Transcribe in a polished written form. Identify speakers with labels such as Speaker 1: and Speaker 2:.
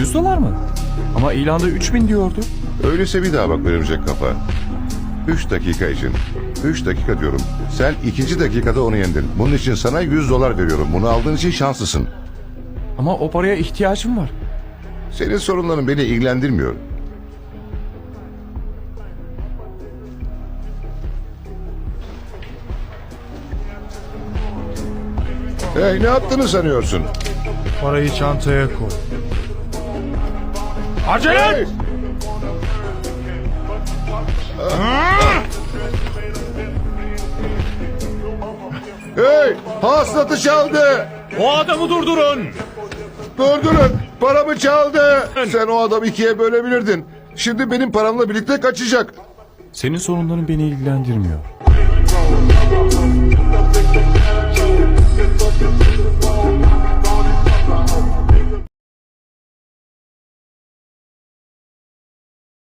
Speaker 1: 100 dolar mı? Ama ilanda 3000 diyordu.
Speaker 2: Öyleyse bir daha bak örümcek kafa. 3 dakika için. 3 dakika diyorum. Sen 2. dakikada onu yendin. Bunun için sana 100 dolar veriyorum. Bunu aldığın için şanslısın.
Speaker 1: Ama o paraya ihtiyacım var.
Speaker 2: Senin sorunların beni ilgilendirmiyor. Hey, ne yaptığını sanıyorsun?
Speaker 3: Parayı çantaya koy.
Speaker 1: Acele
Speaker 2: Hey!
Speaker 1: et!
Speaker 2: Hey! Hasılatı çaldı!
Speaker 1: O adamı durdurun!
Speaker 2: Durdurun! Paramı çaldı! Sen o adamı 2'ye bölebilirdin. Şimdi benim paramla birlikte kaçacak.
Speaker 1: Senin sorunların beni ilgilendirmiyor.